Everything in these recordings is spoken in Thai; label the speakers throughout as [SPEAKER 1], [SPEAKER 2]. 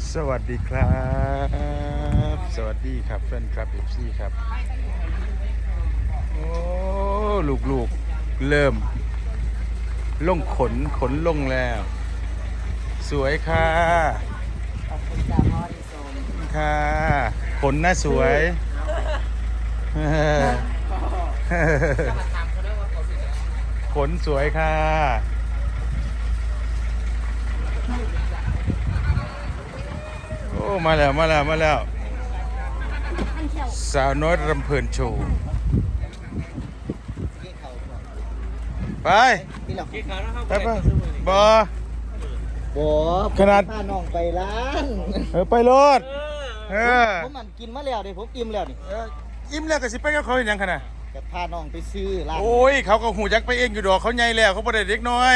[SPEAKER 1] สวัสดีครับสวัสดีครับแฟนคลับ FC ครับโอ้ลูกๆเริ่มลงขนลงแล้วสวยค่ะ
[SPEAKER 2] ขอบคุณจ้าพ่อที่ชม
[SPEAKER 1] ค่ะขนน่าสวยขนสวยค่ะโอ้มาแล้วสาวน้อยรำเพลินโชว์ไปไปบอขนาด
[SPEAKER 2] พาน้องไปร้าน
[SPEAKER 1] ไปรถ
[SPEAKER 2] ผมมันกินมาแล้วเดี๋ยวผมอิ่มแล้วนี่
[SPEAKER 1] ยิ้มแล้วก็สิไปกับเขาอย่างขนาด
[SPEAKER 2] จะพาน้องไปซื้อร้าน
[SPEAKER 1] โอ้ยเขาก็หูจักไปเองอยู่ดอกเขาใหญ่แล้วเขาบ่ได้เด็กน้อย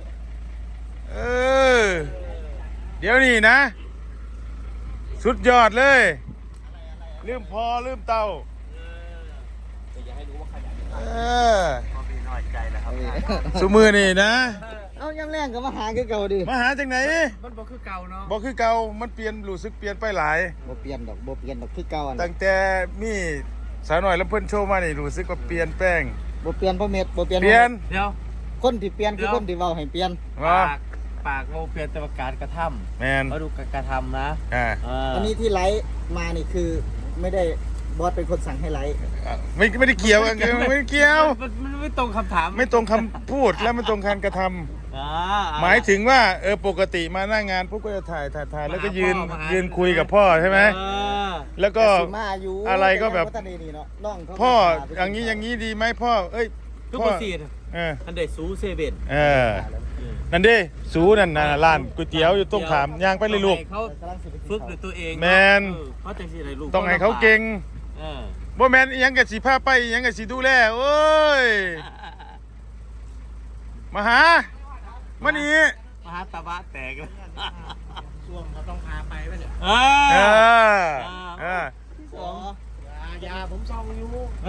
[SPEAKER 1] เดี๋ยวนี้นะสุดยอดเลยลืมพอลืมเตา
[SPEAKER 2] จะให้รู้ว่าขยัน
[SPEAKER 1] พอมีน้อยใจแล้วครับสุมือนี่นะ
[SPEAKER 2] เอาย่ำแรงก็มาหาคือเก่าดิ
[SPEAKER 1] มาหาจากไหน
[SPEAKER 2] มันบ่คือเก่าเนาะ
[SPEAKER 1] บ่คือเก่ามันเปลี่ยนรู้สึกเปลี่ยนไปหลาย
[SPEAKER 2] บ่เปลี่ยนดอกคือเก่า
[SPEAKER 1] ตั้งแต่มีสาวหน่อยลำเพิ่นโชว์มานี่รู้สึกว่าเปลี่ยนแป้ง
[SPEAKER 2] บ่เปลี่ยนเพราะเม็ดบ่เปลี่ยน
[SPEAKER 1] เปลี่ยน
[SPEAKER 3] เดี๋ยว
[SPEAKER 2] คนที่เปลี่ยนคือคนที่เว้าให้เปลี่ยน
[SPEAKER 3] ปากโมเปลี่ยนแต่การกระทำ
[SPEAKER 1] แมน
[SPEAKER 3] มาดูการกระทำนะ
[SPEAKER 2] อันนี้ที่ไลฟ์มานี่คือไม่ได้บอสเป็นคนสั่งให้ไลฟ์
[SPEAKER 1] ไม่ได้เกี่ยวไม่ได้เกี่ยว
[SPEAKER 3] มันไม่ตรงคำถาม
[SPEAKER 1] ไม่ตรงคำพูดและไม่ตรงการกระทำหมายถึงว่าปกติมาหน้างานพวกก็จะถ่ายแล้วก็ยืนคุยกับพ่อใช่ไหมแล้วก็อะไรก็แบบพ่ออย่างนี้ดีไหมพ่อ
[SPEAKER 3] ทุกคนสีอันเดซูเซเว่น
[SPEAKER 1] นั่นดิสูนั่นร้านก๋วยเตี๋ยวอยู่ตรงขามย่างไปเลยลูก
[SPEAKER 3] เขาฝึกด้วยตัวเอง
[SPEAKER 1] แมน
[SPEAKER 3] เขาจะสิอะไรลูก
[SPEAKER 1] ต้องให้เขาเก่งบ่แมนยังกับสีผ้าไปยังกับสีดูแลโอ้ยมาหามานี่
[SPEAKER 3] มหาตะวะแตกแล้ว
[SPEAKER 2] ช่วงเขาต้องพาไปไหมเนี่ยยาผมซองอยู่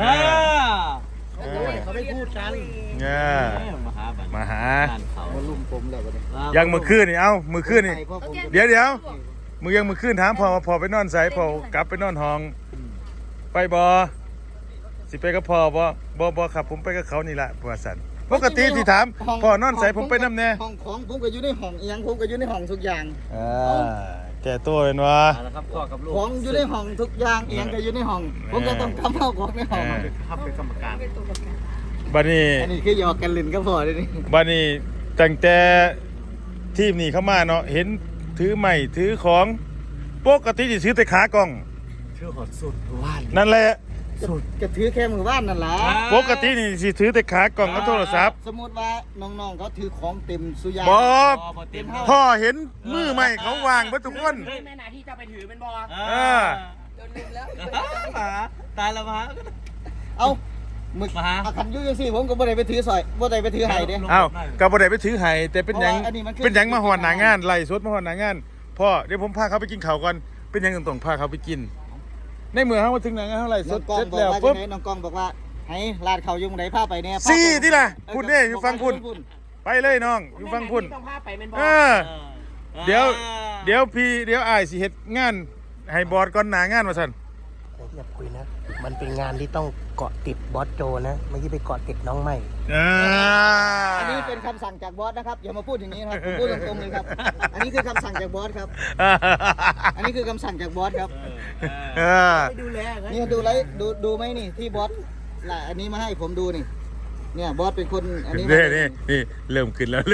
[SPEAKER 2] เขาไม่พูดกัน
[SPEAKER 1] มาหา
[SPEAKER 2] มาลุ่มผมแล้ว
[SPEAKER 1] ยังมือคืนนี่มือคืนนี่เดี๋ยวมือยังมือคืนถามพอไปนอนใส่พอกลับไปนอนห้องไปบอสิไปกับพ่อบอครับผมไปกับเขานี่แหละประวัติศาสตร์ปกติที่ถามพ่อนอนใส่ผมไปน้ำแน่
[SPEAKER 2] ห้องของผมก็อยู่ในห้องยังผมก็อยู่ในห้องทุกอย่าง
[SPEAKER 1] แก่ตัวเป็นวะ
[SPEAKER 2] ของอยู่ในห้องทุกอย่างยังก็อยู่ในห้องผมก็ต้องทำเอาของในห้อง
[SPEAKER 3] ครับเป็นกรรมการ
[SPEAKER 1] บัดนี้
[SPEAKER 2] อันนี้คือหยอกกันลินก็พอเลยนี่
[SPEAKER 1] บัดนี้ตั้งแต่ทีมนี้เข้ามาเนาะเห็นถือไม้ถือของปกติจะถือแต่ขากล้อง
[SPEAKER 3] ถือหอดสุดว่าน
[SPEAKER 1] นั่นแหละ
[SPEAKER 2] จะถือแค่มือว่านนั่นแหละ
[SPEAKER 1] ปกตินี่สิถือแต่ขากล่องกับโทรศัพท์
[SPEAKER 2] สมมติว่าน้องๆเขาถือของเต็มสุยา
[SPEAKER 1] พ่อเห็นมือใหม่เขาวางไว้ทุกคน
[SPEAKER 3] แม่นาที่จะไปถือเป็นบอ
[SPEAKER 2] โดนลืมแล้ว
[SPEAKER 3] ตายแล้วมา
[SPEAKER 2] เอามึกขันยุ่งสิผมก็บ่ได้ไปถือสอยบ่ได้ไปถือไห้เด้
[SPEAKER 1] ก็บ่ได้ไปถือไห้แต่เป็นยังมาหอนหนางานไล่สดมาหอนหนางานพ่อเดี๋ยวผมพาเขาไปกินข้าวก่อนเป็นยังต้องพาเขาไปกินในเมื่อเขามาถึงไหนเท่าไหร่เสร็จแล้วปุ๊บ
[SPEAKER 2] น้องกองบอกว่าให้ลาดเขายุ่งไหนพาไปเนี่ย
[SPEAKER 1] ซี่ที่ล่ะคุณเนี่ยอยู่ฟังคุณไปเลยน้องอยู่ฟังคุณเดี๋ยวอ้ายสิเฮ็ดงานให้บอสก่อนหน้างานว่าซั่น
[SPEAKER 4] อย่าคุยนะมันเป็นงานที่ต้องเกาะติดบอสโจนะไม่ใช่ไปเกาะติดน้องใหม่
[SPEAKER 2] อันนี้เป็นคำสั่งจากบอสนะครับอย่ามาพูดอย่างนี้ครับผมพูดตรงๆเลยครับอันนี้คือคำสั่งจากบอสครับอันนี้คือคำสั่งจากบอสครับ
[SPEAKER 3] ดูแล
[SPEAKER 2] นี่ดูไหมนี่ที่บอสอันนี้มาให้ผมดูนี่เนี่ยบอสเป็นคนอันนี้
[SPEAKER 1] นี่เริ่มขึ้นแล้ว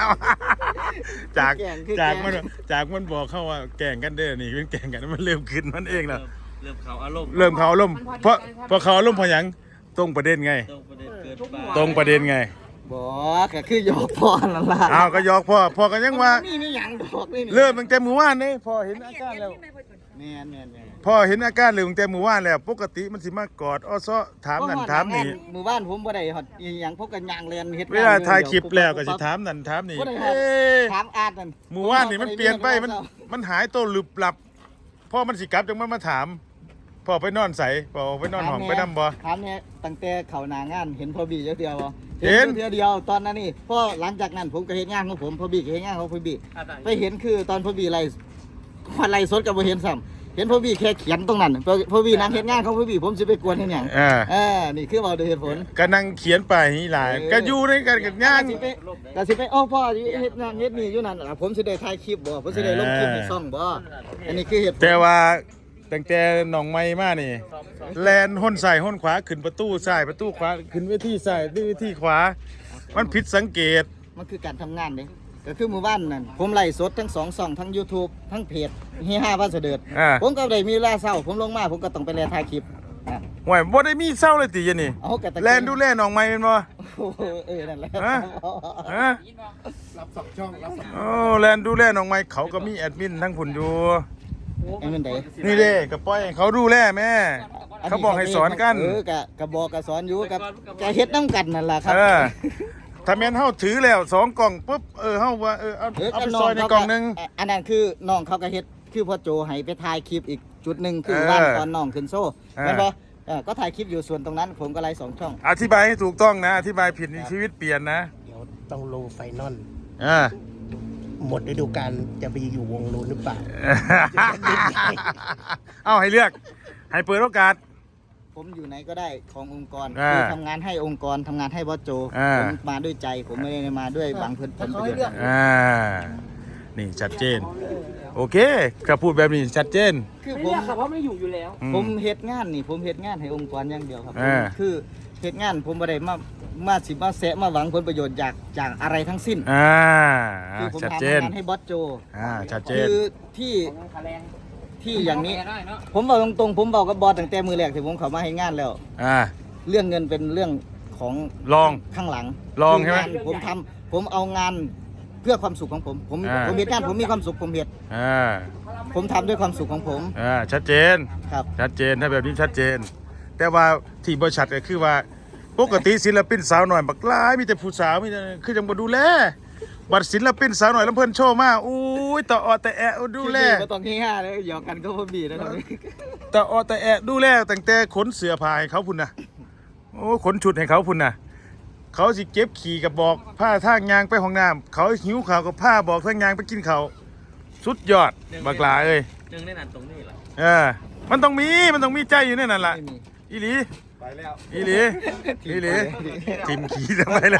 [SPEAKER 1] จากมันบอกเข้าว่าแก่งกันเด้อนี่เป็นแก่งกันมันเริ่มขึ้นมันเองแล้ว
[SPEAKER 3] เริ่มเขาอาร
[SPEAKER 1] มณ์เพราะเขาอารมณ์พอยังตรงประเด็นไงตรงประเด็นไง
[SPEAKER 2] บอกก็คือหยอกพ่อนั่นล่ะ
[SPEAKER 1] ก็หยอกพ่อก็ยังว่า
[SPEAKER 2] นี่หยังบอกนี่
[SPEAKER 1] เริ่มตั้งแต่มื้อวานนี่พ่อเห็นอาการแล้ว
[SPEAKER 2] แม่น
[SPEAKER 1] พ่อเห็นอาการเลยตั้งแต่มื้อวานแล้วปกติมันสิมากอดอ้อซ้อถามนั่นถามนี่
[SPEAKER 2] มื้อวานผมบ่ได้ฮอดอีหยังพวกกันย่างเรียนเฮ็ด
[SPEAKER 1] เวลาถ่ายคลิปแล้วก็สิถามนั่นถามนี่
[SPEAKER 2] ถามอาดนั่น
[SPEAKER 1] มื้อวานนี่มันเปลี่ยนไปมันหายตัวลึบลับพ่อมันสิกลับจังมันมาถามพ่อไปนอนใส่พ่อไปนอนห้องไปนำบ่
[SPEAKER 2] ถามเนี่ยตั้งแต่เข้าหน้างานเห็นพ่อบีเดียวบ่เห็นเดียวตอนนั้นนี่พ่อหลังจากนั้นผมก็เฮ็ดงานของผมพ่อบีก็เฮ็ดงานของพ่อบีไปเห็นคือตอนพ่อบีไล่มาไล่สดกับบ่เห็นซ้ำเห็นพ่อพี่แค่เขียนตรงนั้นพ่อพี่นั่งเฮ็ดงานของพ่อพี่ผมสิไปกวนเฮ็ดหยังนี่คือเว้าด้วยเหตุผล
[SPEAKER 1] ก็นั่งเขียนไปนี่หลายก็อยู่ในกันกับย่าง
[SPEAKER 2] ก็สิไปพ่อเฮ็ดนั่นเฮ็ดนี่อยู่นั่นล่ะผมสิได้ถ่ายคลิปบ่ผมสิได้ลงคลิปในช่องบ่อันนี้คือเหตุผล
[SPEAKER 1] แต่ว่าตั้งแต่น้องใหม่มานี่แลนห้นซ้ายห้นขวาขึ้นประตูซ้ายประตูขวาขึ้นเวทีซ้ายเวทีขวามันผิดสังเกต
[SPEAKER 2] มันคือการทำงานเด้ก็คือหมู่บ้านนั่นผมไล่สดทั้ง2ช่องทั้ง YouTube ทั้งเพจเฮีย5บ้านเสด็จผมก็ได้มีเวลาเช้าผมลงมาผมก็ต้องไปแลถ่ายคลิป
[SPEAKER 1] ห่วยบ่ได้มีเศร้าเลยติยะนี่
[SPEAKER 2] เอากะตะ
[SPEAKER 1] แลนดูแลน้องใหม่แม่นบ่
[SPEAKER 2] นั่นแหละ
[SPEAKER 1] ฮะโอ้แลนดูแลน้องใหม่เขาก็มีแอดมินทั้งผุนอยู่
[SPEAKER 2] ไอ้มันได
[SPEAKER 1] นี่เด้ก็ปล่อยให้เขาดูแลแม่เขาบอกให้สอนกัน
[SPEAKER 2] กะบอกกะสอนอยู่กับกะเฮ็ดนำกันนั่นล่ะครับ
[SPEAKER 1] ถ้าแม่นเฮาถือแล้ว2กล่องปุ๊บเฮาว่าเอาไปซอยในกล่องนึง
[SPEAKER 2] อันนั้นคือน้องเขาก็เฮ็ดคือพ่อโจให้ไปถ่ายคลิปอีกจุดหนึ่งคือว่านตอนน้องขึ้นโซ่แม่นบ่ก็ถ่ายคลิปอยู่ส่วนตรงนั้นผมก็ไล่2ช่อง
[SPEAKER 1] อธิบายให้ถูกต้องนะอธิบายผิดนี่ชีวิตเปลี่ยนนะ
[SPEAKER 4] เดี๋ยวต้องลงไฟนอล
[SPEAKER 1] อ่า
[SPEAKER 4] หมดฤดูกาลจะไปอยู่วงนู้นหรือเปล่า
[SPEAKER 1] เอาให้เลือกให้เปิดโอกาส
[SPEAKER 2] ผมอยู่ไหนก็ได้ขององค์กร
[SPEAKER 1] อ่า
[SPEAKER 2] คือทำงานให้องค์กรทำงานให้บอสโจ
[SPEAKER 1] อ่า
[SPEAKER 2] ผมมาด้วยใจผมไม่ได้มาด้วยหวังผลประโยชน์
[SPEAKER 1] นี่ชัดเจน โอเคก็พูดแบบนี้ชัดเจน
[SPEAKER 2] คือ
[SPEAKER 3] ไม่
[SPEAKER 2] ผม
[SPEAKER 3] เรียกค่ะเพราะไม่อยู่อยู่แล้ว
[SPEAKER 2] ผมเฮ็ดงานนี่ผมเฮ็ดงานให้องค์กรอย่างเดียวครับ
[SPEAKER 1] อ่า
[SPEAKER 2] คือเฮ็ดงานผมบ่ได้มาสิมาแซะมาหวังผลประโยชน์จากอะไรทั้งสิ้น คือผม
[SPEAKER 1] ชัด
[SPEAKER 2] ทำ
[SPEAKER 1] เจน
[SPEAKER 2] งานให้บอสโจ
[SPEAKER 1] ชัดเจน
[SPEAKER 2] คือที่อย่างนี้ ผมบอกตรงๆผมบอกกับบอสตั้งแต่มือแรกที่ผมเข้ามาให้งานแล้ว เรื่องเงินเป็นเรื่องของ
[SPEAKER 1] ลอง
[SPEAKER 2] ข้างหลัง
[SPEAKER 1] ลองใช่ไหม
[SPEAKER 2] คืางานผมเอางานเพื่อความสุขของผมผมเฮ็ดงานผมมีความสุขผมเฮ็ดผมทำด้วยความสุขของผม
[SPEAKER 1] ชัดเจน
[SPEAKER 2] ครับ
[SPEAKER 1] ชัดเจนถ้าแบบนี้ชัดเจน แต่ว่าที่บริษัทก็คือว่าปกติศิลปินสาวหน่อยบักหลายมีแต่ผู้สาวมีแต่คือจังบ่ดูแลบัดศิลปินสาวหน่อยลำเพิ่นโชว์มาอุ้ยตะออแต่แอะดูแล
[SPEAKER 2] บ่ต้องที่5เลยหยอกกันก็พอดีนะครับ
[SPEAKER 1] ตะออแต่แอะดูแลตั้งแต่ขนเสื้อผ้าให้เขาพุ่นน่ะโอ้ขนชุดให้เขาพุ่นน่ะเขาสิเก็บขี่กับบอกผ้าทางยางไปห้องน้ำเขาหิวข้าวกับผ้าบอกทางยางไปกินข้าวสุดยอดบักหลาเอ้ย
[SPEAKER 3] หนึ่งในนั้นตรงนี้แหละ
[SPEAKER 1] มันต้องมีใจอยู่ในนั่นล่ะ
[SPEAKER 2] ไม่มี
[SPEAKER 1] อีหลี
[SPEAKER 3] ไปแล้ว
[SPEAKER 1] อีหลีอีหลีทิมขี่ทำไมเลย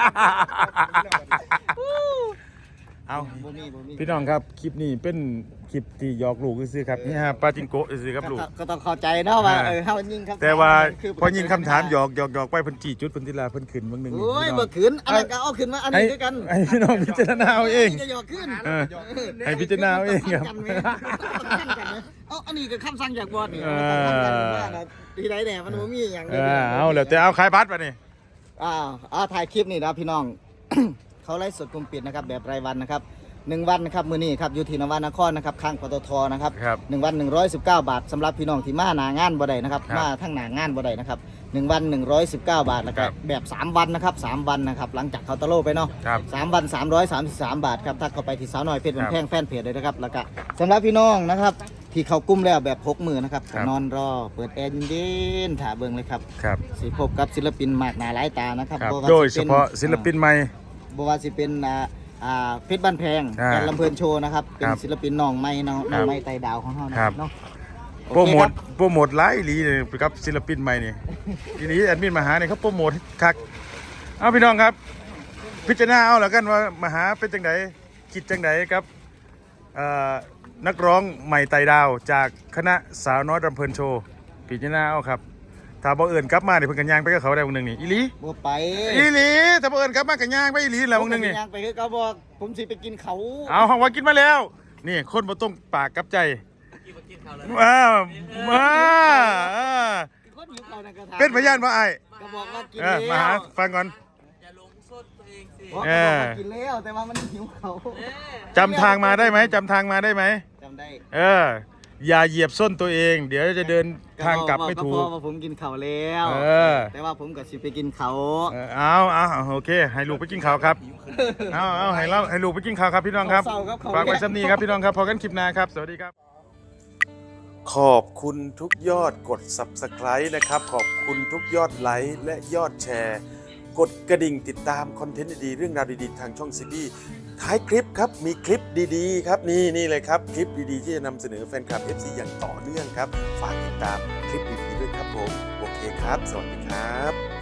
[SPEAKER 1] เอา
[SPEAKER 2] บ่มี
[SPEAKER 1] พี่น้องครับคลิปนี้เป็นคลิปที่หยอกลูกซื่อๆครับนี่ฮะปาจิงโกะซื่อๆครับลูก
[SPEAKER 2] ก็ต้องเข้าใจเนาะว่าเฮายิงครับ
[SPEAKER 1] แต่ว่าพอยิงคำถามหยอกไปเพิ่นจี้จุดเพิ่นทีละเพิ่นขึ้นบางหนึง
[SPEAKER 2] โอ้ยบ่ขึ้นอันนั้นก็เอาขึ้นมาอันนี้ด้วยกัน
[SPEAKER 1] ให้พี่น้องพิจารณาเอาเอง
[SPEAKER 2] จะหยอกขึ้น
[SPEAKER 1] ให้พิจารณาเอาเองครับ
[SPEAKER 2] เอาอันนี้ก็คำสั่งจากบอสนี่ที่ใดแหน่มันบ่มีหยัง
[SPEAKER 1] เอาแล้วแต่เอาขายบัตรป่ะนี่
[SPEAKER 2] ถ่ายคลิปนี่นะพี่น้อง เขาไลฟ์สดกลุ่มปิดนะครับแบบรายวันนะครับ1วันนะครับมื้อนี้ครับอยู่ที่นวนครนะครับข้างปตทนะครับ1วัน119 บาทสำหรับพี่น้องที่มาหน้างานบ่ได้นะครับมาทั้งหน้างานบ่ได้นะครับ1วัน119 บาทแล้วก็แบบ3วันนะครับ3วันนะครับหลังจากเคาน์เตอร์โลไปเนาะ3วัน333 บาทครับถ้าเข้าไปที่สาวน้อยเพชรวันแพงแฟนเพจเลยนะครับแล้วก็สำหรับพี่น้องนะครับที่เข้ากลุ่มแล้วแบบพกมือนะครับนอนรอเปิดแอร์เย็นๆถ่าเบิ่งเลยครับสิพบกับศิลปินมากหน้าหลายตานะครับ
[SPEAKER 1] โดยเฉพาะศิลปินใหม่
[SPEAKER 2] บ่ว่าสิเป็นเพชรบ้านแพงแกนลำเพลินโชว์นะครับเป็นศิลปินน้องใหม่น้องใหม่ไต่ดาวของเฮานะครับเนาะ
[SPEAKER 1] โปรโมทหลายอีหลีเลยกับศิลปินใหม่นี่อีหลีแอดมินมาหาเนี่ยเขาโปรโมทคักเอาพี่น้องครับพิจารณาเอาแล้วกันว่ามาหาเป็นจังไดคิดจังไดครับนักร้องใหม่ไต่ดาวจากคณะสาวน้อยลำเพลินโชว์พิจารณาเอาครับถ้าบ่เอิญกลับมาเนี่ยเพิ่นกันย่างไปกับเขาได้วงนึงนี่อีหลี
[SPEAKER 2] บ่ไป
[SPEAKER 1] อีหลีถ้าบ่เอิญกลับมากันย่างไปอีหลีแล้ววงนึงนี่
[SPEAKER 2] ย่างไปคือเขาบอกผมสิไปกินเขา
[SPEAKER 1] เอาห้องว่ากินมาแล้วนี่คนบ่ต้องปากกับใจ
[SPEAKER 2] คนหิวเขานั่นก็ถาม
[SPEAKER 1] เป็นพยานบ่อ้าย
[SPEAKER 2] ก็บอกว่ากิน
[SPEAKER 1] มา
[SPEAKER 2] แล้
[SPEAKER 1] หาว ฟังก่อน
[SPEAKER 3] อย่าลงโทษตัวเองสิ
[SPEAKER 2] บอกว่ากินแล้วแต่ว่ามันหิวเขา
[SPEAKER 1] จำทางมาได้ไหมจำทางมาได้ไหม
[SPEAKER 2] จำได้
[SPEAKER 1] อย่าเหยียบส้นตัวเอง เดี๋ยวจะเดินทางกลับไม่ถู
[SPEAKER 2] ก็
[SPEAKER 1] ก
[SPEAKER 2] พอว่าผมกินเขาแล้วแต่ว่าผมก็สิไปกินเขา
[SPEAKER 1] เอาโอเคให้ลูกไปกินข้าวครับเอาให้ลูกไปกินข้าวครับพี่น้องครับฝากไว้ซ้ำนี้ครับพี่น้องครับพอกันคลิปหน้าครับสวัสดีครับขอบคุณทุกยอดกด Subscribe นะครับขอบคุณทุกยอดไลค์และยอดแชร์กดกระดิ่งติดตามคอนเทนต์ดีๆเรื่องราวดีๆทางช่องซีบีท้ายคลิปครับมีคลิปดีๆครับนี่เลยครับคลิปดีๆที่จะนำเสนอแฟนคลับ FC อย่างต่อเนื่องครับฝากติดตามคลิปดีๆด้วยครับผมโอเคครับสวัสดีครับ